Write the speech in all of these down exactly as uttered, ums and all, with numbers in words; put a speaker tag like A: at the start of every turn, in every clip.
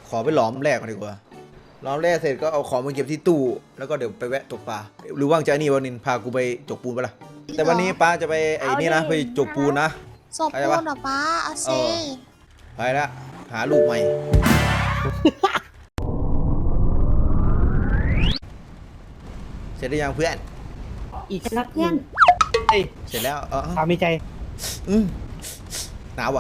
A: ขอไปหลอมแรกก่อนดีกว่าหลอมแรกเสร็จก็เอาของมาเก็บที่ตู้แล้วก็เดี๋ยวไปแวะตกปลาหรือว่างจะนี่วันนินพากูไปจกปูนปะล่ะแต่วันนี้ป้าจะไปไอ้นี่นะไปจกปูนนะ
B: ศพปูนเหรอป้าเอาเซ
A: ไปละหาลูกใหม่เสร็จได้ยังเพื่อน
C: อีกสักเพื่อน
A: เสร็จแล้วเออ
C: ความมีใจ
A: อืมหนาวว่ะ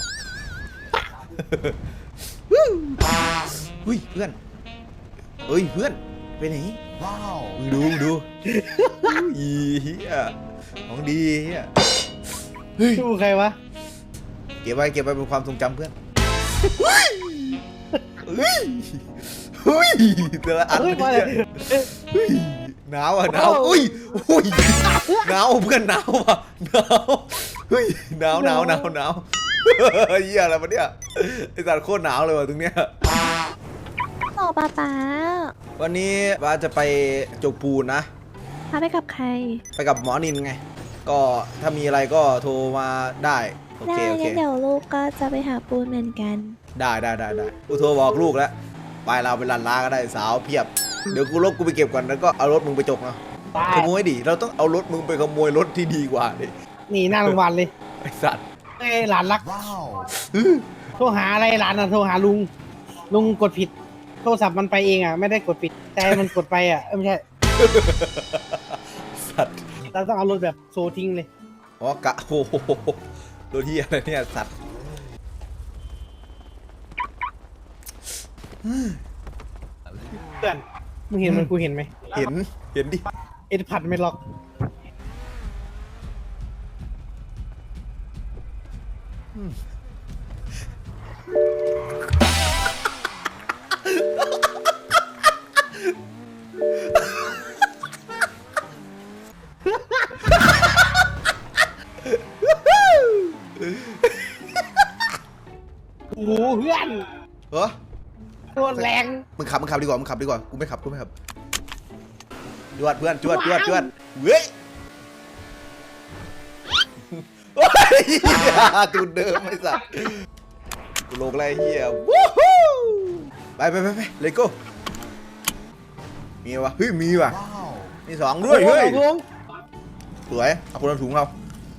A: อุ้ยเพื่อนเอ้ยเพื่อนไปไหนว้าวดูดูอีเฮียของดีเฮีย
C: เฮ้ยดูใครวะ
A: เก็บไว้เก็บไว้เป็นความทรงจำเพื่อนเฮ้ยเฮ้ยเฮ้ยแต่ละอันเลยเฮ้ยหนาวอ่ะหนาวอุ้ยอุ้ยหนาวเพื่อนหนาวอ่ะหนาวเฮ้ยหนาวหนาวหนาวหนาวเฮียอะไรวะเนี่ยไอสัตว์โคตรหนาวเลยว่ะตรงเนี้ย
B: ต่อป้าป้า
A: วันนี้ป้าจะไปจกปูนนะ
B: ป้าไปกับใคร
A: ไปกับหมอนินไงก็ถ้ามีอะไรก็โทรมาได้โอเคโอเค
B: เดี๋ยวลูกก็จะไปหาปูนเหมือนกัน
A: ได้ได้ได้ได้กูโทรบอกลูกแล้วไปเราไปลันลาก็ได้สาวเพียบเดี๋ยวกูรถกูไปเก็บก่อนแล้วก็เอารถมึงไปจกเนาะขโมยดิเราต้องเอารถมึงไปขโมยรถที่ดีกว่าดิ
C: นี่หน้าโรงพยาบาลเลย
A: ไอสัตว์
C: ไอหลานรักโทรหาอะไรหลานอ่ะโทรหาลุงลุงกดผิดโทรศัพท์มันไปเองอ่ะไม่ได้กดผิดแต่มันกดไปอ่ะไม่ใช่
A: สัตว์
C: เราต้องเอารถแบบโซทิ้งเลย
A: อ๋อกะโอ้โหรถที่อะไรเนี่ยสัตว์
C: เพื่อนมึงเห็นมันกูเห็นไหม
A: เห็นเห็นดิ
C: เอ็ดผัดไม่ล็อกโอ้โหเพื่อน
A: เหรอ
C: โคตรแรง
A: มึงขับมึงขับดีกว่ามึงขับดีกว่ากูไม่ขับกูไม่ขับจวดเพื่อนจวดจวดจวดเว้ยตูดเดิมไอ้สัสกูโลกอะไรเฮียวู้ฮู้ไปไปไปไปเลยโก้มีวะเฮ้ยมีวะมีสองด้วยเฮ้ยสวยเอาคนละถุงเรา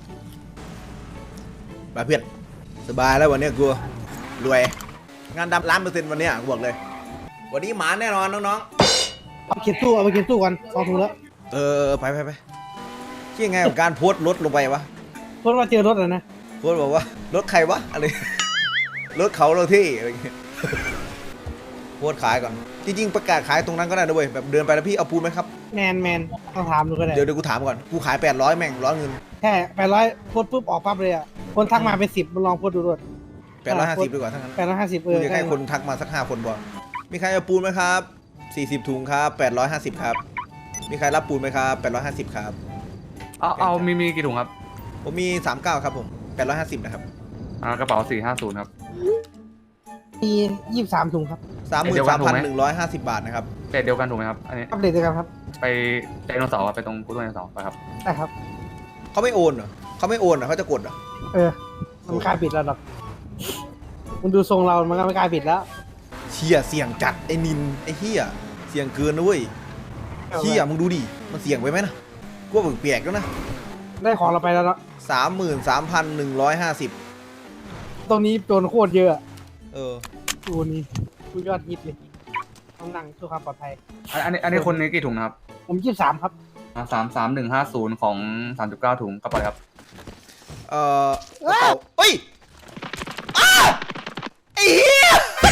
A: ไปเพื่อนสบายแล้ววันนี้กูรวยงานดำล้านเปอร์เซ็นต์วันนี้กูบอกเลยวันนี้หมาแน่นอนน้อง
C: ๆเอาไปเก็บตู้เอาไปเก็บตู้กันสองถุงแล้ว
A: เออไปไปไปที่ไงกับการโพสต์รถลงไปวะ
C: โพสต์ว่าเจอรถอ่ะนะ
A: โพสต์บอกว่ารถใครวะอะไรรถเขาเราที่อะไรเงี้ยโพสต์ขายก่อนจริงๆประกาศขายตรงนั้นก็ได้ด้วยแบบเดินไปแล้วพี่เอาปูนไหมครับ
C: แมนแมนต้องถามดูก็ได้
A: เดี๋ยวเดี๋ยวกูถามก่อนกูขายแปดร้อยแม่งร้อยเงิน
C: แค่แปดร้อยโพสต์ปุ๊บออกปั๊บเลยอ่ะคนทักมาเป็นสิบลองโพสต์ดูด้วย
A: แปดร้อยห้าสิบดีกว่าทั้งนั้น
C: แปดร้อยห้าสิบเออ
A: อยากให้คนทักมาสักห้าคนบอกมีใครเอาปูนไหมครับสี่สิบถุงครับแปดร้อยห้าสิบครับมีใครรับปูนไหมครับแปดร้อยห้าสิบครับ
D: เอาเอามีมีกี่ถุงครับ
A: ผมมีสามเก้าครับผมแปดร้อยห้าสิบนะครับ
D: อ่ากระเป๋าสี่ห้าศูนย์ครับ
C: มียี่สิบสามถุงครับ
A: สามหมื่นสามพันหนึ่งร้อยห้าสิบบาทนะครับ
D: เรทเดียวกันถูกไหมครับอันนี้
C: อัปเดตเดียวกันครับ
D: ไปไดโนเสาร์ไปตรงพุทธไดโนเสาร์ไปครับ
C: ได้ครับ
A: เขาไม่โอนเหรอเขาไม่โอนเหรอเขาจะกดเหรอ
C: เออมันกล้าปิดแล้วหรอกมันดูทรงเรามันก็ไม่กล้าปิดแล้ว
A: เชี่ยเสี่ยงจัดไอ้นินไอ้เฮียเสี่ยงเกินนะเว้ยเฮียมึงดูดิมันเสี่ยงไปไหมนะกูว่าเปียกแล้วนะ
C: ได้ของเราไปแล้วเนาะ
A: สามหมื่นสามพันหนึ่งร้อยห้าสิบ
C: ตรงนี้โดนโคตรเยอะ
A: เออ
C: ตัวนี้กูยอดฮิตเลยต้องนั่งเพื่อความปลอดภัย
D: อันนี้อันนี้คนนี้กี่ถุงครับ
C: ผมยี่สิบสามครับ
D: สามสามหนึ่งห้าศูนย์ของสามจุดเก้าถุงกระเป๋าครับ
A: เอ่อกระเป๋าเฮ้ยอ้าไอ้เหี้ย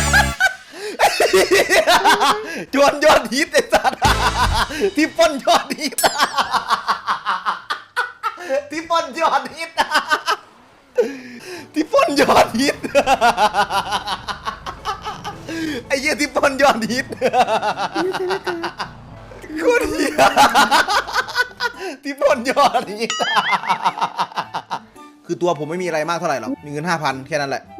A: จวนยอดฮิตไอ้สัตว์ที่ป้นยอดฮิตที่ป้นยอดฮิตที่ป้นยอดฮิตไอ้เหี้ยที่ป้นยอดฮิตโคตรเหี้ยที่ป้นยอดฮิตคือตัวผมไม่มีอะไรมากเท่าไหร่หรอกมีเงินห้าพันแค่นั้นแหละ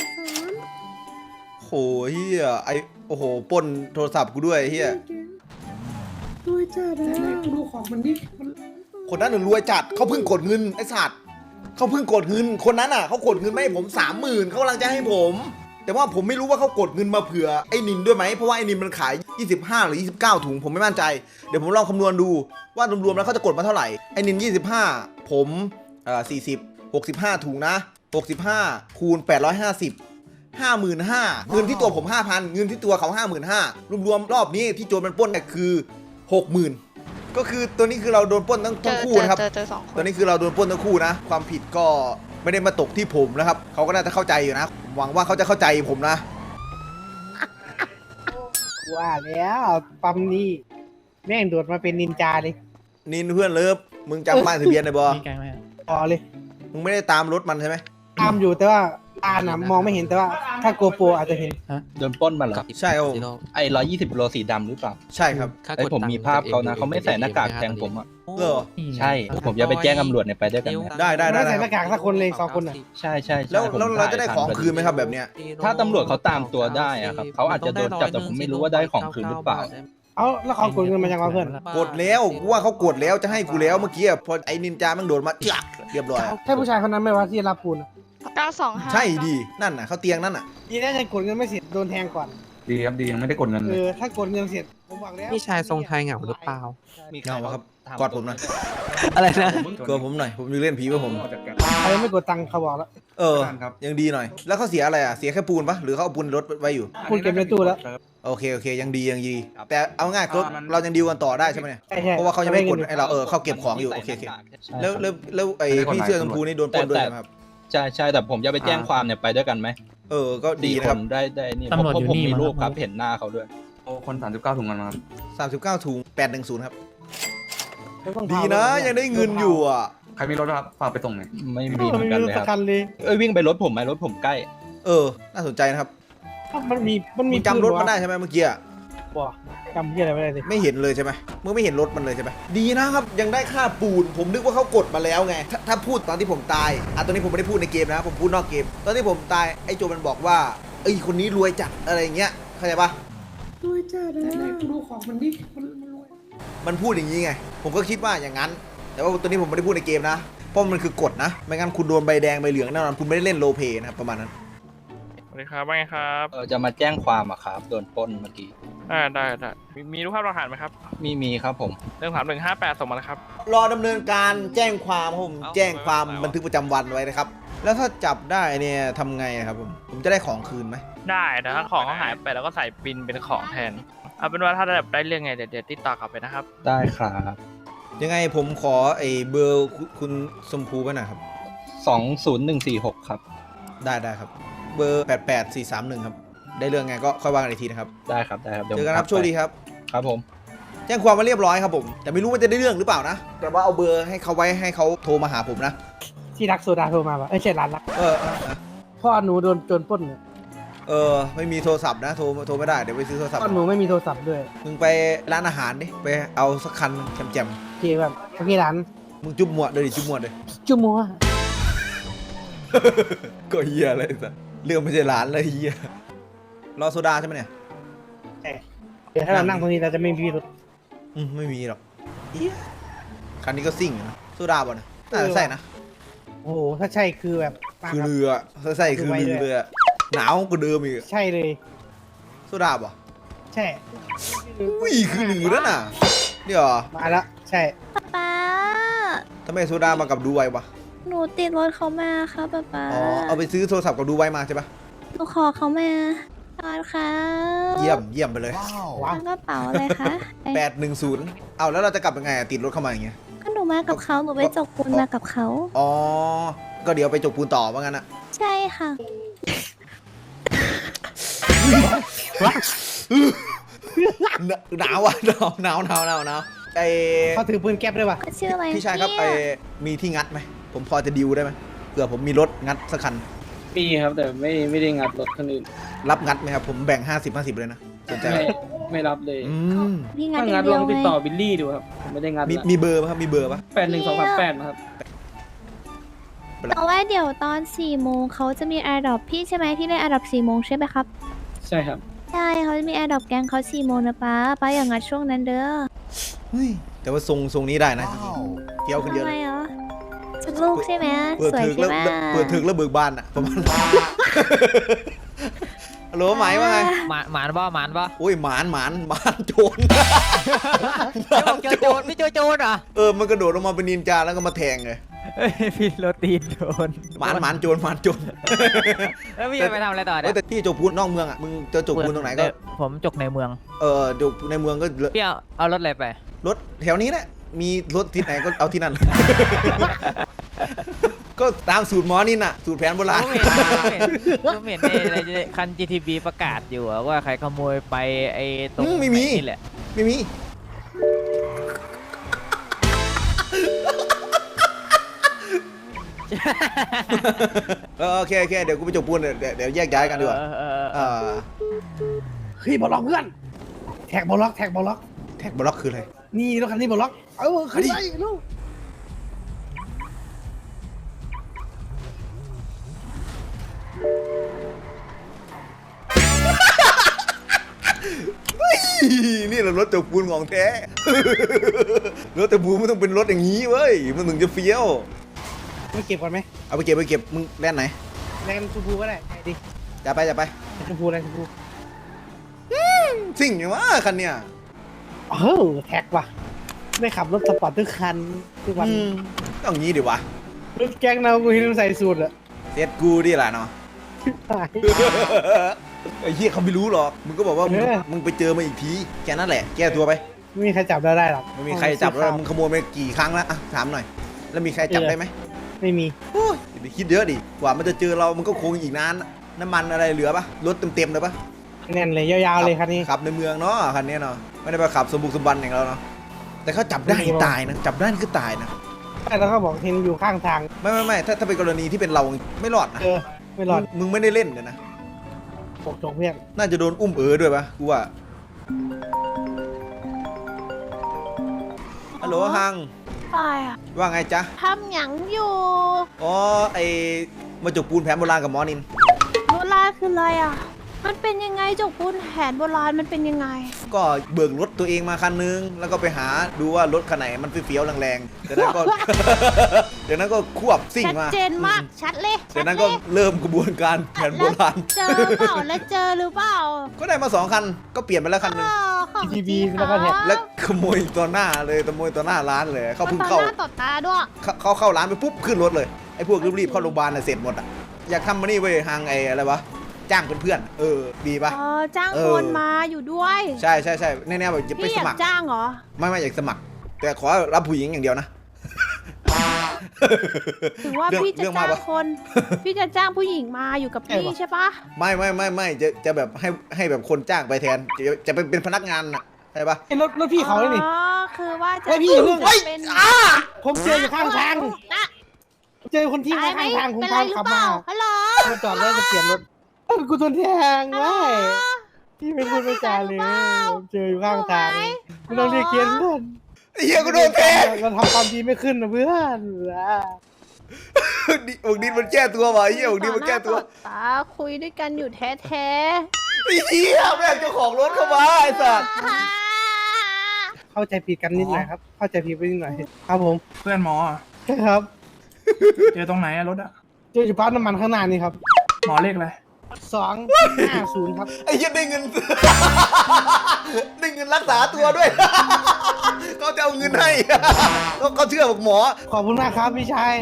A: โหเฮียไอโอ้โหปนโทรศัพท์กูด้วยเฮีย
C: รวยจัดเลยกูดูของมันดิ
A: คนนั้นน่ะรวยจัดเขาเพิ่งกดเงินไอสัตว์เขาเพิ่งกดเงินคนนั้นอ่ะเขากดเงินไม่ให้ผมสามหมื่นเขากำลังจะให้ผมแต่ว่าผมไม่รู้ว่าเขากดเงินมาเผื่อไอ้นินด้วยไหมเพราะว่าไอ้นินมันขายยี่สิบห้าหรือยี่สิบเก้าถุงผมไม่มั่นใจเดี๋ยวผมลองคำนวณดูว่ารวมๆแล้วเขาจะกดมาเท่าไหร่ไอ้นินยี่สิบห้าผมเอ่อสี่สิบ หกสิบห้าถุงนะหกสิบห้าคูณแปดร้อยห้าสิบ ห้าหมื่นห้าพัน เงินที่ตัวผม ห้าพัน เงินที่ตัวเขา ห้าหมื่นห้าพัน รวมๆรอบนี้ที่โจรมันปล้นเนี่ยคือ หกหมื่น ก็คือตัวนี้คือเราโดนปล้นทั้ง
E: เจ
A: ทั้ง
E: อ
A: คู่
E: เจอ
A: นะครับ
E: เจอเจอสองค
A: ตัวน นี้คือเราโดนปล้นทั้งคู่นะความผิดก็ไม่ได้มาตกที่ผมนะครับเขาก็น่าจะเข้าใจอยู่นะหวังว่าเขาจะเข้าใจผมนะ
C: ว่าแล้วปั๊มนี้แม่งโดดมาเป็นนินจาเลย
A: นินเพื่อนเลิฟมึงจำป้ายทะเบียนได้บ่
F: มีไกลไหม
C: ต่อเลย
A: มึงไม่ได้ตามรถมันใช่ไหม
C: ตามอยู่แต่ว่าตาน่ะมองไม่เห็นแต่ว่าถ้าโกโปรอาจจะเห็น
G: โดนปล้นมาเหรอ
A: ใช่ครับผม
G: ไอ้ร้อยยี่สิบโลสีดำหรือเปล่า
A: ใช่ครับ
G: ไอ้ผมมีภาพเขานะเขาไม่ใส่หน้ากากแทงผมอ่ะ
A: เหรอ
G: ใช่ผมจะไปแจ้งตำรวจเนี่ยไปด้วยกันไหม
A: ได้ได้ได้
C: ไม่ใส่หน้ากากสักคนเลยสองคนน่ะ
G: ใช่ใช่ใช่
A: แล้ว
G: ผม
A: แล้วเราจะได้
G: ถ่ย
A: ของ
G: ทัน
A: คืนไหมครับแบบเนี้ย
G: ถ้าตำรวจเขาตามตัวได้อะครับเขาอาจจะโดนจับแต่ผมไม่รู้ว่าได้ของคืนหรือเปล่า
C: เอาแล้วเขากดเงินมาจากเราเพื่อน
A: กดแล้วกูว่าเขากดแล้วจะให้กูแล้วเมื่อกี้อะพอไอ้นินจามันโดดมาจักเรียบร้อยอะ
C: ใช่ผู้ชายคนนั้นไหมวะที่รับปูนอะ
E: เก้าสองห้า
A: ใช่ดีนั่นน่ะเขาเตียงนั่นน่ะ
C: ดีนะยังกดเงินไม่เสร็จโดนแทงก่อน
D: ดีครับดียังไม่ได้กดเงิน
C: เอ
D: เลย
C: อถ้ากดเงินเสร็จผมบอกแล้ว
F: พี่ชายทรงไทยเหงาหรือเปล่า
A: เงาครับกอดผมหน่อย
F: อะไรนะ
A: กอดผมหน่อยผมจะเล่นผีว่าผม
C: ใครไม่กดตังค์เขาบอกแล้ว
A: เออยังดีหน่อย แล้วเขาเสียอะไรอ่ะเสียแค่ปูนปะหรือเขาเอาปูนรถไว้อยู่
C: คุณเก็บในตู้แล้ว
A: โอเคโอเคยังดียังดีแต่เอาง่ายก็เรายังดีลกันต่อได้ใช่ไหมเนี่ย
C: ใช่ใช่
A: เพราะว่าเขายังไม่กดไอ้เราเออเขาเก็บของอยู่โอเคโอเคแล้วแล้วแล้วไอ้พี่เสื้อชมพูนี่โดนปล้นด้วยใช่ไหมครับ
G: ใช่ใช่แต่ผมจะไปแจ้งความเนี่ยไปด้วยกันไหม
A: เออก็ดี
G: สี่
A: นะ
G: ค
A: ครับ
G: นได้ได้นี่
F: ตำรวจ
G: เพราะ
F: อยู่
G: ผม
F: นี่
G: มี
F: มั้ง
G: รูปครับ
F: ครับ
G: เห็นหน้าเขาด้วย
D: โอ้คนสามสิบเก้าถุงกันมาครับ
A: สามสิบเก้าถุงแปดหนึ่งศูนย์ครับ
C: ไม่ต้อง
A: ดี
C: พา
A: นะ
C: รถ
A: ยังได้เงินอยู่อ่ะ
D: ใครมีรถครับฝากไปส่งหน่อย
G: ไม่
C: ไม่
G: มีเหมือนกัน
C: มีร
G: เล
C: ถ
G: ย
C: สั
G: ค
C: ก
G: รับ
C: คันเลย
G: เอ้ยวิ่งไปรถผมไหมรถผมใกล้
A: เออน่าสนใจนะครับ
C: มันมีมันมี
A: มึงจำรถมันได้ใช่ไหมเมื่อกี้อะ
C: บ่จำที่อะไรไม่ได้เลย
A: ไม่เห็นเลยใช่ไหมมึงไม่เห็นรถมันเลยใช่ไหมดีนะครับยังได้ค่าปูนผมนึกว่าเขากดมาแล้วไงถ้าถ้าพูดตอนที่ผมตายอ่ะตอนนี้ผมไม่ได้พูดในเกมนะผมพูดนอกเกม ตอนที่ผมตายไอ้โจมันบอกว่าเอ้ยคนนี้รวยจัดอะไรอย่างเงี้ยเข้าใจปะ
C: ด้วยจ้านะดูของมันดิมันมันรวย
A: มันพูดอย่างนี้ไงผมก็คิดว่าอย่างนั้น แต่ว่าตอนนี้ผมไม่ได้พูดในเกมนะเพราะมันคือกฎนะไม่งั้นคุณโดนใบแดงใบเหลืองแน่นอนคุณไม่ได้เล่นโรลเพลย์นะครับประมาณนั้น
H: สวัสดีครับว่าไงครับ
G: เออจะมาแจ้งความอะครับโดนปล้นเมื่อกี้
H: อ่าได้ได้มีมีรูปภาพหลักฐานไหมครับ
G: มีมีครับผม
H: เรื่องถามหนึ่งห้าแปดส่งมาแล้วครับ
A: รอดำเนินการแจ้งความครับผม
H: เอ้า
A: แจ้งความ
H: ไม่ไหววะ
A: บันทึกประจำวันไว้นะครับแล้วถ้าจับได้เนี่ยทำไงอะครับผมผมจะได้ของคืนไหม
H: ได้แต่ถ้าของเขาหายไปแล้วก็ใส่บินเป็นของแทน เอาเป็นว่าถ้าได้ได้เรื่องไงเดี๋ยวเดี๋ยวติดต่อกลับไปนะครับ
G: ได้ครับ
A: ยังไงผมขอไอ้เบอร์คุณคุณสมภูไปหน่อยครับ
G: สองศูนย์หนึ่งสี่หกครับ
A: ได้ได้ครับ เบอร์แปดแปดสี่สามหนึ่งครับได้เรื่องไงก็ค่อยว่ากันอีกทีนะครับ
G: ได้ครับได้ครับดี๋ยว
A: เจอกันครับ
G: ผม
A: โชคดีครับ
G: ครับผม
A: แจ้งความมาเรียบร้อยครับผมแต่ไม่รู้ว่าจะได้เรื่องหรือเปล่านะแต่ว่าเอาเบอร์ให้เขาไว้ให้เขาโทรมาหาผมนะ
C: ที่รักโซดาโทรมาป่ะเอ้ยใช่ร้านรัก
A: เออเออเออ
C: พ่อหนูโดนโจรปล้นเนี่ย
A: เออไม่มีโทรศัพท์นะโทรโทรไม่ได้เดี๋ยวไปซื้อโทรศัพท์
C: พ่อหนูไม่มีโทรศัพท์ด้วย
A: มึงไปร้านอาหารดิไปเอาสักคันแจ่ม
C: โอเคแบบโอเคร้าน
A: ๆมึงจุ๊บหมวดเลยดิจุ๊บหมวดเลย
C: จุ๊มัว
A: ก็เฮียอะไรสัสเรื่องไม่ใช่ร้านเลยเฮียรอโซดาใช่ไหมเนี่ย
C: เดี๋ยวถ้าเรานั่งตรงนี้เราจะไม่มีพิรุธ
A: อืมไม่มีหรอกเหี้ยคันนี้ก็ซิ่งอยู่นะโซดาบ่ะนะน่าจะใช่นะ
C: โอ้โหถ้าใช่คือแบบมา
A: คือ
C: แบบ
A: เรือถ้าใช่คือเรือเลยอะหนาวกว่าเดิมอีกอะ
C: ใช่เลย
A: โซดาบ่ะ
C: ใช่
A: อุ้ยคือหรือนั่นน่ะเดี๋ยว
C: มาแล้วใช่
B: ป๊าป๊า
A: ทำไมโซดามากับดูไววะ
B: หนูติดรถเขามาค่ะป๊าป๊า
A: อ๋อเอาไปซื้อโทรศัพท์กับดูไวมาใช่ปะ
B: หนูขอเขามาตอนค่ะ
A: เยี่ยมเยี่ยมไปเลย
C: ว้าว
B: แล้วกระเป๋าอะไรคะเอ้ย
A: แปดหนึ่งศูนย์เอาแล้วเราจะกลับยังไงอะติดรถเข้ามาอย่างเงี้ย
B: ก็หนูมากับเขาหนูไปจกปูนมากับเขา
A: อ๋อก็เดี๋ยวไปจกปูนต่อว่างั้นอะ
B: ใช่ค่ะ
A: หนาวอ่ะหนาวหนาวหนาวหนาวหนาวไอ
C: เขาถือปืนแก๊ปด้วยป่ะ
B: ชื่ออะไร
A: พี่ชายครับไอ
B: เนี่ย
A: มีที่งัดไหมผมพอจะดิวได้ไหมเผื่อผมมีรถงัดสักคัน
I: มีครับแต่ไม่ไม่ได้งัดรถคนอื่น
A: รับงัดไหมครับผมแบ่งห้าสิบห้าสิบเลยนะสนใจไหม
I: ไม่ไม่รับเลย
A: อืม
B: พี่งัด
I: ถ้า
B: อ
I: งั
B: ย่า
I: ด
B: งเดี
I: ล
B: ยว
I: องติด
B: ไง
I: ต่อบิลลี่ดูครับผมไม่ได้งัด
A: มี
I: ละ
A: มีเบอร์ป่ะครับมีเบอร์ป่ะ
I: แปดหนึ่งสองสามแปดนะครับ
B: แต่ว่าเดี๋ยวตอนสี่โมงเขาจะมีแอร์ดรอปพี่ใช่ไหมที่ได้แอร์ดรอปสี่โมงใช่ไหมครับ
I: ใช่ครับ
B: ใช่เขาจะมีแอร์ดรอปแกงเขาสี่โมงนะป้าป้าอย่างงัดช่วงนั้นเด้อ
A: เฮ้ยแต่ว่าทรงทรงนี้ได้นะเที่ยวขึ้นเย
B: ทำ
A: อะ
B: ไม
A: เลย
B: เหรอชุดลูกใช่ไหม
A: เปิด
B: สวย
A: ถึก
B: ใช่
A: แล้ว
B: ไหม
A: เปิดถึกแล้วเบิกบานอ่ะประมาณฮัลโหลหมายว่าไง
E: หมาหมานบ่หมานบ่
A: โอ้ยหมานหมานหมานโจร
E: ไม่บอกเจอโจรไม่เจอโจรเหรอ
A: เออมันกระโดดลงมาเป็นนินจาแล้วก็มาแทงเลย
E: เฮ้ยพี่โรตีนโดน
A: หมานหมานโจรหมานโจร
E: แล้วพี่จะไปทำอะไรต่อ
A: เอ้
E: เนี่ย ย
A: แต่ที่จกปูนนอกเมืองอ่ะมึงเจอจกปูนตรงไหนก็
E: ผมจกในเมือง
A: เออจกในเมืองก็
E: พี่เอาเอารถอะไรไป
A: รถแถวนี้แหละมีรถที่ไหนก็เอาที่นั่น ก็ตามสูตรหมอนี่น่ะสูตรแผนโบราณ
E: ผมเห็นผมเห็นในในคัน จี ที บี ประกาศอยู่อะว่าใครขโมยไปไอ้ตรง
A: อืมไม่มี
E: นี่แหละ
A: ไม่มี เออโอเคโอเคเดี๋ยวกูไปจกปูนเดี๋ยวเดี๋ยวแยกย้ายกันดีกว่า
E: เออเออเอ
A: เอ
E: อ
A: อ
C: เฮ้ยบอลล็อกเพื่อนแท็กบอลล็อกแท็กบอลล็อก
A: แท็กบล็อกคืออะไร
C: นี่รถคันนี้บอลล็อกเออขึ้นไปลูก
A: นี่แหละรถจกปูนของแท้ รถจกปูนมันต้องเป็นรถอย่างนี้เว้ยมันถึงจะเฟี้ยว
C: ไม่เก็บก่อนไหม
A: เอาไปเก็บไปเก็บมึงแล่นไหน
C: แรงชมพูก็ได้ไปดิ
A: จะไปจะไป
C: ชมพูแรงชมพู
A: สิ่งอย่างว่าคันเนี้ย
C: เออแท็กว่ะได้ขับรถสปอร์ตทุกคันทุกวัน
A: อืมต้องงี้ดิวะ
C: รถแก๊งเรากูเห็นมันใส่สูตรอะ
A: เซ็ตกูดิล่ะเนาะ
C: ตาย
A: ไอ้เหี้ยเขาไม่รู้หรอกมึงก็บอกว่ามึง
C: เออ
A: มึงไปเจอมาอีกทีแค่นั้นแหละแก้ตัวไป
C: ไม่มีใครจับได้ได้หรอก
A: ไม่มีใครจับแล้วมึงขโมยไปกี่ครั้งแล้วอ่ะถามหน่อย แล้วมีใครจับได้ไหม
C: ไม่มี
A: โอ้ยอย่าไปคิดเยอะดิกว่ามันจะเจอเรามันก็คงอีกนานน้ำมันอะไรเหลือปะรถเต็มๆเลยปะ
C: แน่นเลยยาวๆเลยคันนี้
A: ขับในเมืองเนาะคันนี้เนาะไม่ได้ไปขับสมบุกสมบันอย่างเราเนาะแต่เขาจับได้ตายนะจับได้คือตายนะ
C: แล้วก็บอกเห็นอยู่ข้างทาง
A: ไม่ไม่ไม่ถ้าถ้าเป็นกรณีที่เป็นเราไม่รอดนะ
C: เออไม่รอด
A: มึงไม่ได้เล่นเลยนะ
C: ปกจงเพื่อน
A: น่าจะโดนอุ้มเอ๋อด้วยปะกูว่าฮัลโหลฮัง
B: ไปอ่ะ
A: ว่าไงจ๊ะ
B: ทำหยังอยู่
A: อ๋อไอมาจกปูนแผนโบราณกับหมอนิน
B: โบราณคืออะไรอ่ะ มันเป็นยังไงจกปูนแผนโบราณมันเป็นยังไง
A: ก็เบิกรถตัวเองมาคันนึงแล้วก็ไปหาดูว่ารถคันไหนมันเฟี้ยวๆแรงๆจากนั้นก็ จากนั้นก็ควบซิ่ง
B: ชัด
A: มา
B: เจนมาก ชัดเลย
A: จากนั้นก็เริ่มกระบวนการแผนโบราณ
B: เจอเปล่าแล้วเจอหรือเปล่า
A: ก็ได้มาสองคันก็เปลี่ยนไปแล้วคันหนึง
B: อ๋อของจริง
C: แล้วก็แท็ก
A: แล้วขโมยต่อหน้าเลยขโมยต่อหน้าร้านเลยเขา
B: มัน
A: เพิ่ง
B: ต่อ
A: เข้า
B: หน้าต่อตาด้วย
A: เขาเขาเข้าร้านไปปุ๊บขึ้นรถเลยไอ้พวกรีบๆเข้าโรงพยาบาลน่ะเสร็จหมดอ่ะอยากทำมานี่เว้ยหางไอ้อะไรวะจ้างเพื่อนๆเออดีปะ
B: อ๋อ จ้าง
A: เอ
B: ค
A: อ
B: นมาอยู่ด้วย
A: ใช่ใช่ใช่แน่ๆแบบจะไป
B: พี่อ
A: ส
B: ยา
A: มั
B: ก
A: คร
B: จ้างเหรอ
A: ไม่ไม่อยากสมัคร แต่ขอรับผู้หญิงอย่างเดียวนะ
B: ถึงว่า
A: เรื่อง
B: พี่จะ
A: เรื่องมา
B: จ้าง
A: ปะ
B: คน พี่จะจ้างผู้หญิงมาอยู่กับพี่ใช่ปะ
A: ไม่ไม่ไม่ไม่จะจะแบบให้ให้แบบคนจ้างไปแทนจะจะไปเป็นพนักงานน่ะใช่ปะ
C: ไอ้รถรถพี่เขาเลยนี่
B: อ๋อ คือว่าจะ
C: เฮ้ยพี่อย่าเพิ่ง
B: จะเป็น
C: ผมเจออยู่ข้างทาง
B: นะ
C: เจอคนที่
B: ตายไหม
C: ข้างทางผม
B: เป็นไร
C: พา
B: หรือ
C: ขับ
B: เป
C: มา
B: ล่า ฮัลโหล
C: มาจอดแล้วจะเปลี่ยนรถเอ้ากูโดนแทง
B: ฮัลโหล
C: เว้ยพี่ไม่พูดไม่จาเลยผมเจออยู่ข้างทางไม่ต้องเรียกเกียร์เพื่อน
A: ไอ้เหี้ยกูโดนแทง
C: เราทำความดีไม่ขึ้นนะเพื่อน
A: ดิอกดินมันแก้ตัวว่ะไอ้เหี้ยอกดินมันแก้ตัว
B: ต่อหน้าต่อตาคุยด้วยกันอยู่แท้แท้
A: ไอ้เหี้ยแม่งเจ้าของรถเข้ามาไอ้สัส
C: เข้าใจผิดกันนิดหน่อยครับ เข้าใจผิดไปนิดหน่อยครับผม
J: เพื่อนหมออะ
C: ครับ
J: เจอตรงไหนอะรถอะ
C: เจออยู่ปั๊มน้ำมันข้างหน้านี่ครับ
J: หมอเลขอะไร
C: สองห้าศูนย์ครับ
A: ไอ้เหี้ยได้เงิน ได้เงินรักษาตัวด้วย เขาจะเอาเงินให้ เขาเขาเชื่อบอกหมอ
C: ขอบคุณมากครับพี่ชาย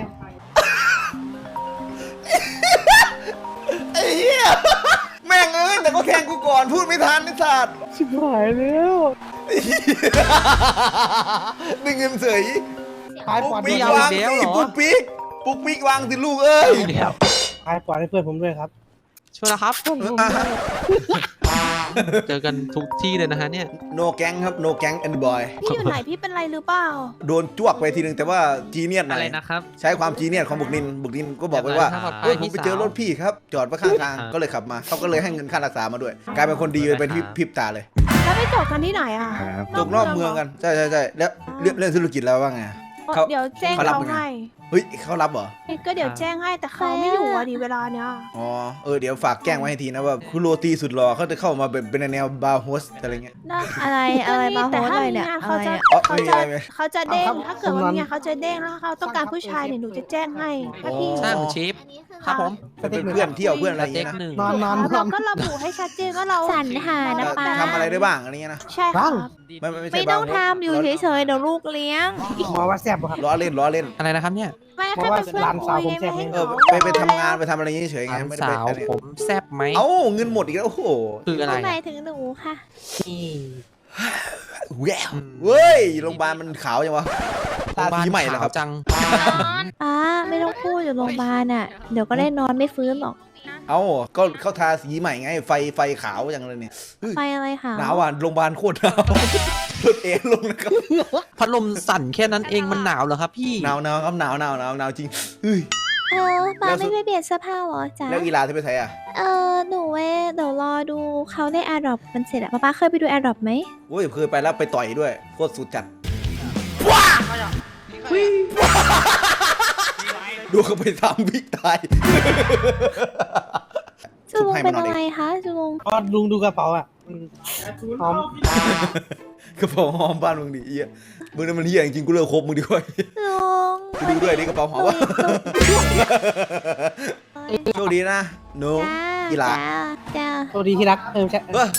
A: ไอ้เหี้ยแม่งเอ้ยแต่เขาแทงกูก่อนพูดไม่ทันไอ้สัส
C: ชิบหายแล้ว
A: ไอ้เหี้ยได้เงินเสย
C: ขาย
A: ปุ๊
C: ป
A: ก
C: อด
A: ปิ๊ก
C: ให้
A: วางสิปุ๊กปิ๊กปุ๊กปิ๊กวางสิลูกเอ้ย
C: ขายปอดให้เพื่อนผมด้วยครับ
F: ชัวร์นะครับ เจอกันทุกที่เลยนะฮะเนี่ย
A: โนแก๊งครับโนแก๊งแอนด์บอย
B: ๆพี่อยู่ไหนพี่เป็นไรหรือเปล่า
A: โดนจ้วกไปทีนึงแต่ว่าจีเนียสหน่
E: อะ
A: อ
E: ไร
A: ย
E: นะครับ
A: ใช้ความจีเนียสของบุกนินบุกนินก็บอกไปว่า
E: ครับ
A: เฮ้ยผมไปเจอรถพี่ครับ จอดไว้ข้างทางก็เลยขับมาเขาก็เลยให้เงินค่ารักษามาด้วย กลายเป็นคนดีไปเป็นพริบตาเลย
B: แล้วไปจบกันที่ไหนอ่ะ
A: จกนอกเมืองกันใช่ใช่ใช่แล้วเรื่องเรื่องธุรกิจแล้วว่าไง
B: อ๋อ
A: เขา
B: เดี๋ยวแจ้ง
A: เขารับ
B: เขา
A: ยังไง
B: ให้
A: เฮ้ยเขารับเหรอ
B: ก็เดี๋ยวแจ้งให้แต่เขาไม่อยู่อ่ะดิเวลาเนี้ย
A: อ๋อเออเดี๋ยวฝากแจ้งไว้ให้ทีนะว่าคุณโรตีสุดหล่อเขาจะเข้ามาเป็นเป็นแนวบาร์โฮสอะไรเงี้ย
B: อะไรอะไรมาโฮสเลยเนี่ยเขาจะ
A: อ๋อ
B: เขา
A: ไม่มี
B: จะ
A: อะไรไหม
B: เขาจะเด้งถ้าเกิดว่าเนี่ยเขาจะเด้งแล้วเขาต้องการผู้ชายเนี่ยหนูจะแจ้งให้ถ้าพี่
F: ช่างชิปครับผม
A: เป็นเพื่อนเที่ยวเพื่อนอะไรอย่าง
F: เต็
A: เงี้ยนะ
F: กหนึ่ง
C: นอนนอนนอ
B: เรา
C: น
B: ก็ระบุให้ชัดเจนว่าเราสรรหานะป้า
A: ทำอะไรได้บ้างอะไรเงี้ยนะ
B: ใช่ครับ
A: ไม่ไม่ไม่ใช่
B: ไม่ต้อง
A: บาร์โฮส
B: ทำอยู่เฉยๆเดี๋ยวลูกเลี้ยง
C: หมอว่าแซ่บบ่ครับ
A: ล้อเล่นล้อเล่น
F: อะไรนะครับเนี่ย
B: ไม่แค่เป็นเพื่อน
C: หลานสาวผมแซ่บ
B: คุย
A: เออ
B: ไม่
A: ไป
B: ให้
A: ไปทำงานไปทำอะไรเฉยๆ
F: ห
A: ไง
F: ลาน
A: ไม่ได้
F: สา
A: ไป
F: ว
A: อันเนี้ย
F: ผมแซบไหม
A: เอ้าเงินหมดอีกแล้วโอ้โห
F: คืออะไร
B: หมา
F: อะ
B: ยถึงหนูค่ะ
A: แย่เว้ยโรงพยาบาลมันขาวยังวะตาสีใหม่เหรอครับ
F: จัง
B: ป้าไม่ต้องพูดอยู่โรงพยาบาลอ่ะเดี๋ยวก็ได้นอนไม่ฟื้นหรอก
A: เอ้าก็เขาทาสีใหม่ไงไฟไฟขาวอย่างเลยเนี่ยเฮ้ย
B: ไฟอะไรคะ
A: หนาวอ่ะโรงพยาบาลโคตรหนาวรถเอ็นลงนะครับ
F: พัดลมสั่นแค่นั้นเองมันหนาวเหรอครับพี่
A: หนาวหนาวครับหนาวหนาวหนาวหนาวจริงเฮ้ย
B: เออป้า
A: แล้วสุ
B: ไม่
A: ด
B: ไปเปลี่ยนเสื้อผ้าเหรอจ๊ะ
A: แล้วอีลาที่ไปไทยอ่ะ
B: เออหนูเว้ยเดี๋ยวรอดูเขาได้แอร์ดรอปมันเสร็จอะป้าป้าเคยไปดูแอร์ดรอปไหม
A: โอ้ยเคยไปแล้วไปต่อยด้วยโคตรสุดจัดดูเขาไปทำบิ๊กตาย
B: จูลงเป็นอะไรคะจูลง
C: ก็ลุงดูกระเป๋าอ่ะมันหอม
A: กระเป๋าหอมบ้านมึงดิเอี้ยมึงนั่นมันเฮียจริงๆกูเลิกคบมึงดีกว่า
B: ลุง
A: กูดูด้วยดิกระเป๋าหอมวะโชคดีนะหนู อีหลา
B: จ้าจ้า
C: สวัสดีที่รักเออใช่
A: เออ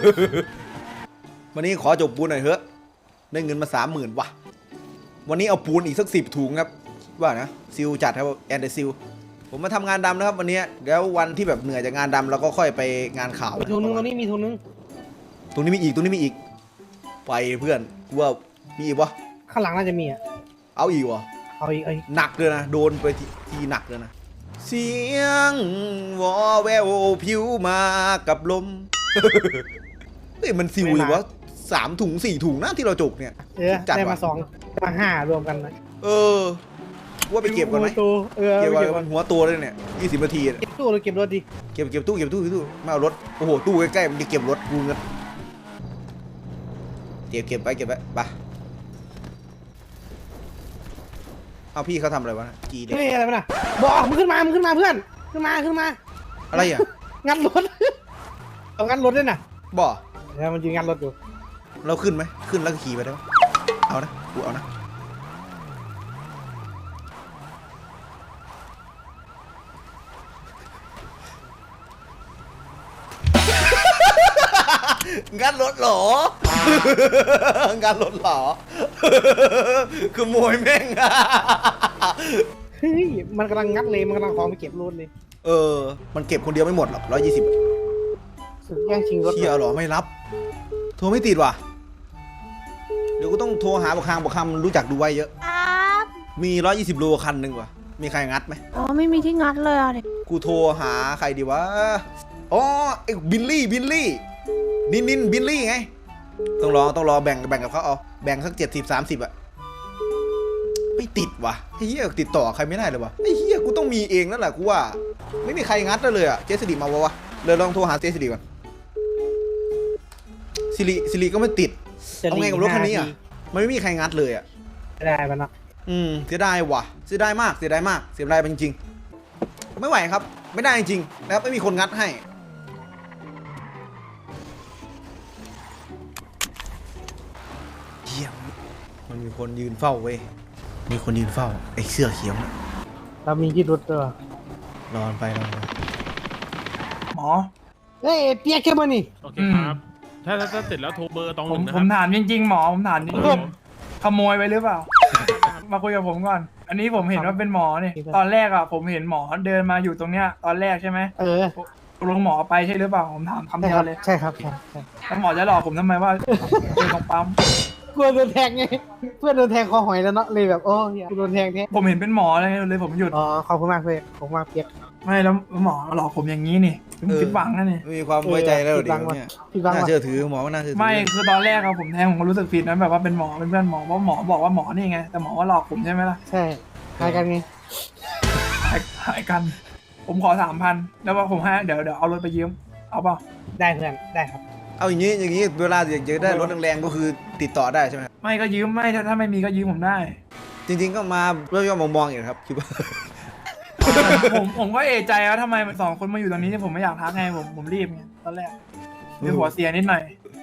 A: วันนี้ขอจบปูนหน่อยเถอะได้เงินมาสามหมื่นว่ะวันนี้เอาปูนอีกสักสิบถุงครับว่านะซิลจัดครับแอนเดอร์ซิลผมมาทำงานดำนะครับวันนี้แล้ววันที่แบบเหนื่อยจากงานดำเราก็ค่อยไปงานข่าว
C: มีทุนนึงตรงนี้มีทุนนึง
A: ตรงนี้มีอีกตรงนี้มีอีกไปเพื่อนกูว่ามีอีกวะ
C: ข้างหลังน่าจะมีอ่ะ
A: เอาอีกวะ
C: เอาอีกเอาอีก
A: หนักเลยนะโดนไปทีทีหนักเลยนะเสียงวอแววผิวมากับลม เฮ้ยมันซิวเลยวะสามถุงสี่ถุงนะที่เราจกเนี่ย
C: เออ
A: จัด
C: ได้
A: ว่ะ
C: มาสองมาห้ารวมกันนะ
A: เออว่าไปเก็บก่อนไหม
C: ตัวเออ
A: เก็บ
C: ไป
A: ไว้
C: เก็บ
A: มันหัวตัวเลยเนี่ยยี่สิบนาทีอะ
C: เก็บตู้หรือเก็บรถดิ
A: เก็บเก็บตู้เก็บตู้เก็บตู้ไม่เอารถโอ้โหตู้ใกล้ๆมันจะเก็บรถกูเงินเก็บเก็บไปเก็บไปไปเอาพี่เขาทำอะไรวะจีเด็ก
C: เฮ้ยอะไรวะน่ะบอกมึงขึ้นมามึงขึ้นมาเพื่อนขึ้นมาขึ้นมา
A: อะไรอ่ะ
C: งัดรถ เอางัดรถด้วยน่ะ
A: บ่
C: แล้วมันยืนงัดรถอยู่
A: เราขึ้นไหมขึ้นแล้วก็ขี่ไปได้ไหมเอานะกูเอานะงัดรถเหรอ งัดรถเหรอ ขโมยแม่ง
C: เฮ้ยมันกำลังงัดเลยมันกำลังของไปเก็บรถเลย
A: เออ มันเก็บคนเดียวไม่หมดหรอกร้อยยี่สิบ
C: สึกแย่งชิงรถ
A: เที่ยวหรอไม่รับ โทรไม่ติดว่ะ เดี๋ยวกูต้องโทรหาบุคคางบุคคางมันรู้จักดูไว้เยอะ
B: ครับ
A: มีร้อยยี่สิบโลคันหนึ่งว่ะ มีใครงัดไหม
B: อ๋อไม่มีที่งัดเลยอ่ะเด็ก
A: กูโทรหาใครดีวะ อ๋อไอ้บิลลี่บิลลี่ นินนินบิลลี่ไง ต้องรอต้องรอแบ่งแบ่งกับเขาเอา แบ่งสักเจ็ดสิบสามสิบอะไม่ติดว่ะไอ้เหี้ยติดต่อใครไม่ได้เลยวะไอ้เหี้ยกูต้องมีเองนั่นแหละกูว่า ไม่มีใครงัดได้เลยอะเจสสิริมาวะวะเลยลองโทรหาเจสสิริก่อนสิริสิริก็ไม่ติด เอาไงกับรถคันนี้อะมันไม่มีใครงัดเลยอะ
C: ไม่ได้ปะเนาะ
A: อืมเสียดายว่ะเสียดายมากเสียดายมากเสียดายจริงๆไม่ไหวครับ ไม่ได้จริงๆนะครับไม่มีคนงัดให้เยี่ยมมันมีคนยืนเฝ้าเว้ยมีคนยืนเฝ้าไอ้เสื้อเขียวนะ
C: เรามีที่รถด้วย
A: รอนไปรอนไป
J: หมอ
C: เฮ้ยเปียกแค่มานี่
J: โอเคครับ ถ้าถ้าติดแล้วโทรเบอร์ตรงผมผมถามจริงๆหมอผมถามจริงๆขโมยไปหรือเปล่า มาคุยกับผมก่อน อันนี้ผมเห็นว่าเป็นหมอนี่ตอนแรกอ่ะผมเห็นหมอเดินมาอยู่ตรงเนี้ยตอนแรกใช่ไหม
C: เออ
J: ตกลงหมอไปใช่หรือเปล่าผมถามคำ
C: ใช่
J: เดี
C: ค
J: ย
C: รั
J: ว
C: บ
J: เลย
C: ใช่ครับใช่ใช่
J: แล้วหมอจะหลอกผมทำไมว่าเป็นของปั๊ม
C: กลัวโดนแทงไงเพื่อนโดนแทงคอหอยแล้วเนาะเลยแบบโอ้ยกูโดนแทงแท้
J: ผมเห็นเป็นหมอเลยเลยผมหยุด
C: อ๋อขอบคุณมากเลยขอบคุณมากเปียก
J: ไม่แล้วหมอหลอกผมอย่างนี้นี่ผมผิดหวังนะนี่
A: ไม่มีความไว้ใจแล้ว
C: เออ
A: เดี๋ยวเนี่ย
C: พี่บัง
A: น่า
C: ว่ะ
A: เชื่อถือหมอก็น่าเชื่อถื
J: ไม่คือตอนแรกอะผมแทงผมก็รู้สึกผิดนะแบบว่าเป็นหมอเป็นเพื่อนหมอเพราะหมอบอกว่าหมอนี่ไงแต่หมอว่าหลอกผมใช่ไหมล่ะ
C: ใช่หายกันไง
J: หายหายกัน ผมขอสามพันแล้วว่าผมให้เดี๋ยวเดี๋ยวเอารถไปยืมเอาเปล่า
C: ได้เพื่อนได้ครับ
A: เอาอย่างนี้อย่างนี้เวลาอยากจะได้รถแรงๆก็คือติดต่อได้ใช่ไหมครับ
J: ไม่ก็ยืมไม่ถ้าถ้าไม่มีก็ยืมผมได้
A: จริง ๆ ก็มาเรื่องย่อมมองๆอย่างครับคิดว่า
J: ผมผมก็เอะใจว่าทำไมสองคนมาอยู่ตรงนี้ผมไม่อยากทักไงผมผมรีบไงตอนแรกเดี๋ยวหัวเสียนิดหน่อย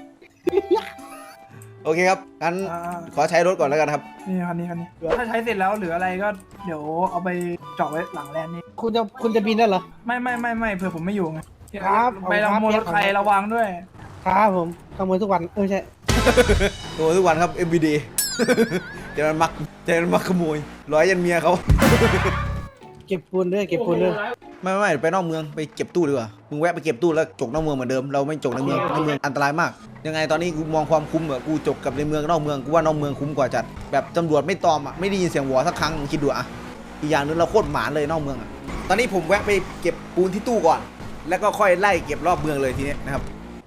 A: โอเคครับงั้น
J: อ่า
A: ขอใช้รถก่อนแล้วกันครับ
J: นี่คันนี้คันนี้ถ้าใช้เสร็จแล้วเหลืออะไรก็เดี๋ยวเอาไปเจาะไว้หลังแลนด์นี่
C: คุณจะคุณจะบินได้เหรอ
J: ไม่ไม่ไม่ไม่เผื่อผมไม่อยู่ไง
C: ครับ
J: ไปขโมยรถใครระวังด้วย
C: ครับผมขโมยทุกวันเออใช่
A: โอ้ทุกวันครับ เอ็ม วี ดี เดี๋ยวมันมักเดี๋ยวมันมักขโมยร้อยยันเมียเขา
C: เก็บปูนด้วยเก็บปูนด้วย
A: ไม่ไม่ไปนอกเมืองไปเก็บตู้ดีกว่ามึงแวะไปเก็บตู้แล้วจกนอกเมืองเหมือนเดิมเราไม่จกในเมืองในเมืองอันตรายมากยังไงตอนนี้กูมองความคุ้มอะกูจกกับในเมืองนอกเมืองกูว่านอกเมืองคุ้มกว่าจัดแบบตำรวจไม่ตอมอะไม่ได้ยินเสียงหัวสักครั้งมึงคิดดูอะอีกอย่างนึงเราโคตรหมานเลยนอกเมืองอะตอนนี้ผมแวะไปเก็บปูนที่ตู้ก่อน แล้วก็ค่อยไล่เก็บรอบเมืองเลยทีนี้นะครับ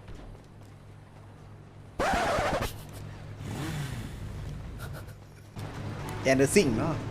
A: แอนเดอร์ซิงเนาะ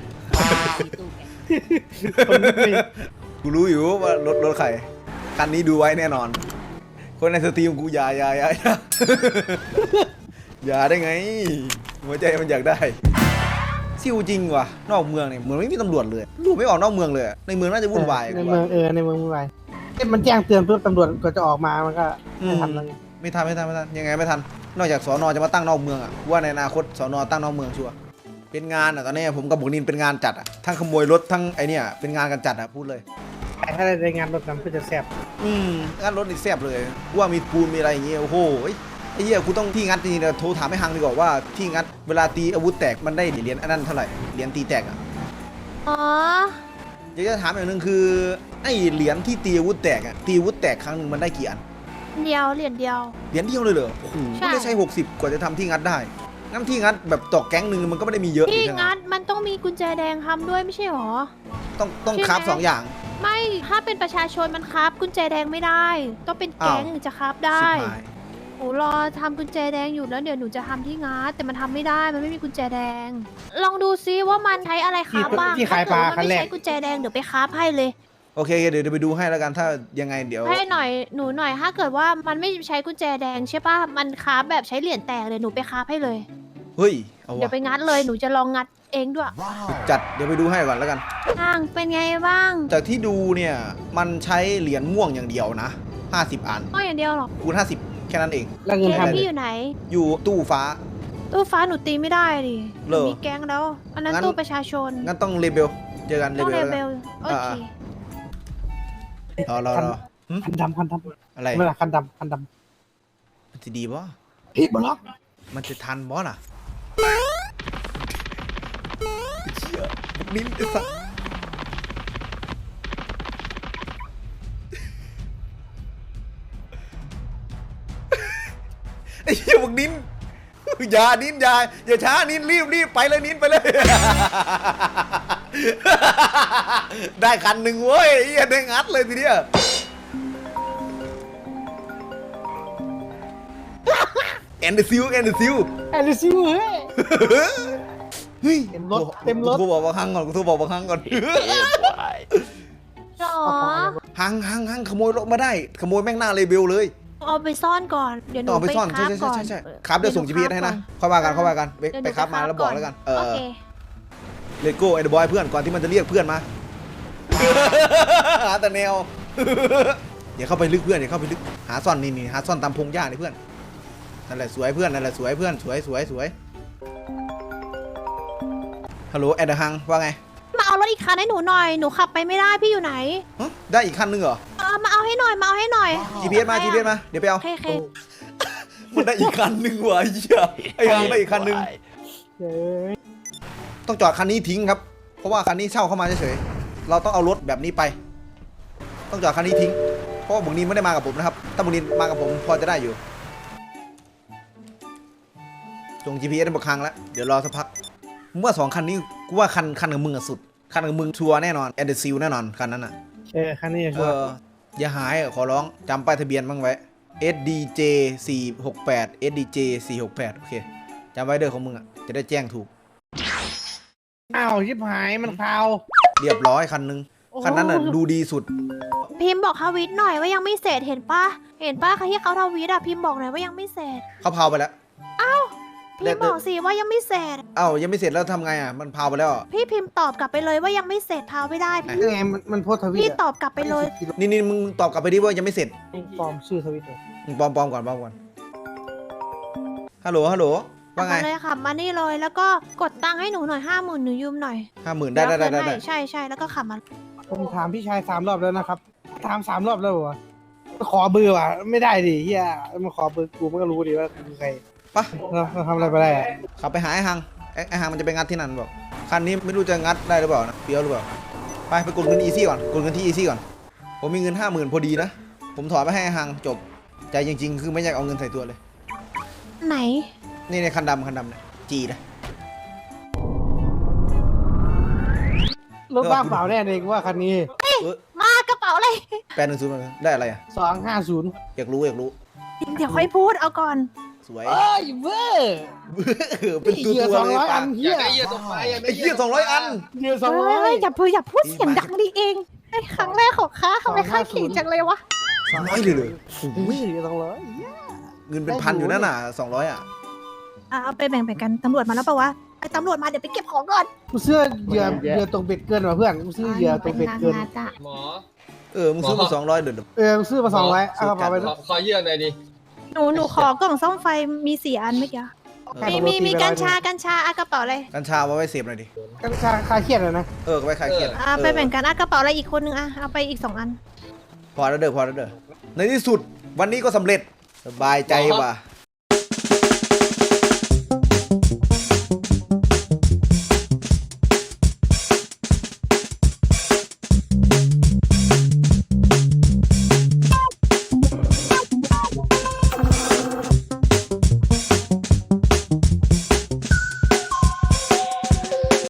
A: กูรู้อยู่ว่ารถรถใครคันนี้ดูไว้แน่นอน คนในสตรีมกูอย่าอย่าอย่าอย่า อย่าได้ไง หัวใจมันอยากได้ซิวจริงว่ะนอกเมืองเนี่ยเหมือนไม่มีตำรวจเลยดูไม่ออกนอกเมืองเลยในเมืองน่าจะวุ่นวาย
C: ในเมืองเออในเมืองวุ่นวายเอ๊ะมันแจ้งเตือนเพื่อตำรวจก็จะออกมามันก็
A: อื
C: ไม่
A: ม
C: ทันเลย
A: ไม่ทันไม่ทันไม่ทันยังไงไม่ทันนอกจากสอนอจะมาตั้งนอกเมืองอ่ะว่าในอนาคตสอนอตั้งนอกเมืองชัวร์เป็นงานอ่ะตอนนี้ผมกับบุกนินเป็นงานจัดอ่ะทั้งขโมยรถทั้งไอเนี่ยเป็นงานกันจัดอ่ะพูดเลย
C: แต่ถ้าได้รายงานรถนั้นก็จะแซ่บ
A: อืมงานรถนี่แซ่บเลยว่ามีปูนมีอะไรอย่างเงี้ยโอ้โหไอ้เหี้ยกูต้องที่งัดจริงๆนะโทรถามให้ฮังดีกว่าว่าที่งัดเวลาตีอาวุธแตกมันได้เหรียญอันนั้นเท่าไหร่เหรียญตีแตกอ่ะ
B: อ๋อ
A: อยากจะถามอย่างหนึ่งคือไอ้เหรียญที่ตีอาวุธแตกอ่ะตีอาวุธแตกครั้งหนึ่งมันได้กี่อัน
B: เดียวเหรียญเดียว
A: เหรียญเดียวเลยเหรอโอ้โห
B: ใช่
A: ไม่ได้ใช้หกสิบกว่าจะทำที่งัดได้งั้นที่งัดแบบตอกแก๊งหนึ่งมันก็ไม่ได้มีเยอะ
B: พี่
A: ใช่ไหม
B: งัดมันต้องมีกุญแจแดงทำด้วยไม่ใช่หรอ
A: ต้องต้อง
B: ใช่ไหม
A: คราฟสองอย่าง
B: ไม่ถ้าเป็นประชาชนมันครับกุญแจแดงไม่ได้ ต้องเป็นแก๊ง
A: อ้าว
B: ถึงจะครับได้
A: ชิบหาย
B: หนูรอทำกุญแจแดงอยู่แล้วเดี๋ยวหนูจะทำที่งัดแต่มันทำไม่ได้มันไม่มีกุญแจแดง ลองดูซิว่ามันใช้อะไรครับบ้าง
C: ที่ขายปลา
B: ถ้
C: คั
B: เกิดว่ามัน
C: นแร
B: ไม่
C: ก
B: ใช้กุญแจแดงเดี๋ยวไปครับให้เลย
A: โอเคเดี๋ยวเดี๋ยวไปดูให้แล้วกันถ้ายังไงเดี๋ยว
B: ให้หน่อยหนูหน่อยถ้าเกิดว่ามันไม่ใช้กุญแจแดงใช่ป่ะมันครับแบบใช้เหรียญแตกเลยหนูไปครับให้เลย
A: เฮ้ยเอา
B: เดี๋ยว
A: วะ
B: ไปงัดเลยหนูจะลองงัดเองด้วย
A: จัดเดี๋ยวไปดูให้ก่อนแล้วกัน
B: ห่างเป็นไงบ้าง
A: จากที่ดูเนี่ยมันใช้เหรียญม่วงอย่างเดียวนะห้าสิบอัน
B: ก็อย่างเดียวหรอก
A: คูณห้าสิบแค่นั้นเอง
C: แล้วเงิน
B: แก๊ง
C: ทำ
B: พี่อยู่ไหน
A: อยู่ตู้ฟ้า
B: ตู้ฟ้าหนูตีไม่ได้ดิ
A: เหรอ
B: มีแก๊งแล้ว อันนั้น
A: งั้น
B: ตู้ประชาชน
A: งั้นต้องเลเบลเจอกันเล
B: ต้อง
A: เบ
B: เล
A: ลแล้ว
B: เบ
A: กัน
B: ลโอเค
A: รอรอรอหึ
C: คันดำคันดำ
A: อะไร
C: ไม่ละคันดำคันด
A: มันจะดีบ่
C: ำพี่บล็อก
A: มันจะทันบ่ล่ะเชี่ยนิ้นไอ้สัสไอ้เหี้ยบอกนิ้นอย่านิ้นอย่าอย่าช้านิ้นรีบรีบไปเลยนิ้นไปเลย ได้คันหนึ่งเว้ยไอ้เหี้ยได้งัดเลยทีเดียวแอนเดอร์ซิลแอนเดอร์ซิล
C: แอนดิซิวเฮ้ย
A: เฮ้ย
C: เต็มรถเต็มรถ
A: กูโทรบอกบางครั้งก่อนกูโทรบอกบางครั้งก่อน
B: หรอ
A: หังหังหังขโมยรถมาได้ ขโมยแม่งหน้าเลเบลเลย
B: เอาไปซ่อนก่อน เดี๋ยวหนู
A: ต่อไป
B: ไป
A: ซ่อน
B: ค
A: ใช่
B: ราบ
A: ใช่
B: ก่อน
A: ใช่ใช่ครับเดี๋ยวส่ง จี พี เอส ให้นะค่อยว่ากันค่อยว่ากันไป
B: เดี๋ยวห
A: ไป
B: นู
A: ครับมาแล้วบอกแล้วกันเอ
B: โอ
A: อ
B: เค
A: เลโก้ไอ้เดอะบอยเพื่อนก่อนที่มันจะเรียกเพื่อนมา หาแต่แนว อย่าเข้าไปลึกเพื่อนอย่าเข้าไปลึกหาซ่อนนี่นี่หาซ่อนตามพงหญ้านี่เพื่อนนั่นแหละสวยเพื่อนนั่นแหละสวยเพื่อนสวยสวยสวยฮัลโหลแอดเดอร์ฮังว่าไง
B: มาเอารถอีกคันให้หนูหน่อย หนูขับไปไม่ได้พี่อยู่ไหน
A: ฮะได้อีกคันนึงเหรอ
B: เออมาเอาให้หน่อย มาเอาให้หน่อย
A: จี พี เอส มา จี พี เอส มาเดี๋ยวไปเอา
B: โอเคโอเค
A: มันได้อีกคันนึงว่ะไอ้เหี้ยไอ้ฮังได้อีกคันนึง
C: เฮ้ย
A: ต้องจอดคันนี้ทิ้งครับ เพราะว่าคันนี้เช่าเข้ามาเฉยๆ เราต้องเอารถแบบนี้ไป ต้องจอดคันนี้ทิ้ง เพราะว่าบุญนินไม่ได้มากับผมนะครับ ถ้าบุญนินมากับผมพอจะได้อยู่ส่ง จี พี เอส มาครั้งแล้ว เดี๋ยวรอสักพักเมื่อสองคันนี้กูว่าคันคันกับมึงอะสุด คันกับมึงชัวร์แน่นอนแอนเดอร์ซิลแน่นอนคันนั้นอะ
C: เออคันนี้
A: เอ
C: ชัวร์
A: ออย่าหายอะขอร้องจำป้ายทะเบียนบ้างไว้ เอส ดี เจ สี่หกแปด เอส ดี เจ สี่หกแปด โอเคจำไว้เด้อของมึงอะจะได้แจ้งถูก
C: อ้าวชิบหายมันคาว
A: เรียบร้อยคันนึง คันนั้นน่ะดูดีสุด
B: พิมพ์บอกทวิตหน่อยว่ายังไม่เสร็จเห็นปะเห็นปะใครที่เขาทวิตอะพิมพ์บอกหน่อยว่ายังไม่เสร็จ
A: เขาเผาไปแล้ว
B: พี่บอกสิว่ายังไม่เสร็จ
A: เอ้ายังไม่เสร็จแล้วทำไงอ่ะมันพาวไปแล้วอ่ะ
B: พี่พิมพ์ตอบกลับไปเลยว่ายังไม่เสร็จพาไม่ได้พี่
C: ยังไงมันมันโพสต์ทวิต
B: พี่
C: อะ
B: ตอบกลับไปเลย
A: นี่นี่มึงตอบกลับไปดิว่ายังไม่เสร็จ
C: ปลอมชื่อทวิตเลย
A: มึงปลอมปลอมก่อนปลอมก่อนฮัลโหลฮัลโหลว่าไง
B: เอเลยค่ะมานี่เลยแล้วก็กดตังค์ให้หนูหน่อยห้าหมื่นหนูยืมหน่อย
A: ห้าหมื่นได้ได้ได้ได้
B: เยว
A: ได้
B: คืนให้ใช่ใช่แล้วก็ขับมา
C: ผมถามพี่ชายสามรอบแล้วนะครับถามสามรอบแล้ววะขอเบอร์ว่ะไม่ได้ดิเฮียมาขอเบอร์กูมันก็รู้ดิว่าคือใคร
A: ปะ
C: เราเราทำอะไรไปได้อะ
A: ขับไปหาไอ้ฮังไอ้ไอ้ฮังมันจะไปงัดที่นั่นบอกคันนี้ไม่รู้จะงัดได้หรือเปล่านะเปียวหรือเปล่าไปไปกดเงินอีซี่ก่อนกดเงินที่อีซี่ก่อนผมมีเงินห้าหมื่นพอดีนะผมถอนไปให้ไอ้ฮังจบใจจริงๆคือไม่อยากเอาเงินใส่ตัวเลย
B: ไหน
A: นี่ในคันดำคันดำเนี่ยจีนะ
C: รถบ้างเปล่าแน่เลยกูว่าคันนี้
B: มากระเป๋าเลย
A: แปดหนึ่งศูนย์ได้อะไรอ่ะ
C: สองห้าศูนย์
A: อยากรู้อยากรู้
B: เดี๋ยวค่อยพูดเอาก่อน
A: สวย
C: เอ้ยเว้ย
A: เออเป็นตัว
C: เหยื่อ
A: ตัว
C: สอง
A: เลย
C: ร้อย
A: ปะ
C: อันเฮีย
A: ไอ้เหี้ยสองร้อยอัน
C: เหยื่อสองร้อ
B: เฮ้
C: ย
B: ยอย่าพูดอย่าพูดเสียงดังดิเองไอ้ครั้งแรกของข้าทำไมข้าขิงจังเลยวะ
A: สองร้อยเลยเลย
C: อุ้ยเหยื่อสองร้อย
A: เงินเป็นพันอยู่นั่นน่ะสองร้อยอ่ะ
B: อ่ะเอาไปแบ่งๆกันตำรวจมาแล้วปะวะไอ้ตำรวจมาเดี๋ยวไปเก็บของก่อน
C: กูเสื้อเหยื่อเหยื่อตรงเบ็ดเกินว่ะเพื่อนกูซื้อเหยื่อตรงเบ็ดเกิน
G: หมอ
A: เออมึงซื้อมาสองร้อยเดือด
C: เออกูซื้อมาสองร้อยเอากระเป๋าไป
G: ขอขอเยื่อหน่อยดิ
B: หนูหนูขอกล่องซ่อมไฟมีสี่อันเมื่อกี้มีมีมีกัญชากัญชาอะกระเป๋าอะไร
A: กัญชาเอาไว้เสพหน่อยดิ
C: กัญชาคลายเครียดเลยนะ
A: เออไว้คลายเครียด
B: อ่ะไปแบ่งกันอะกระเป๋าอะไรอีกคนนึงอะเอาไปอีกสองอัน
A: พอแล้วเด้อพอแล้วเด้อในที่สุดวันนี้ก็สำเร็จสบายใจว่ะ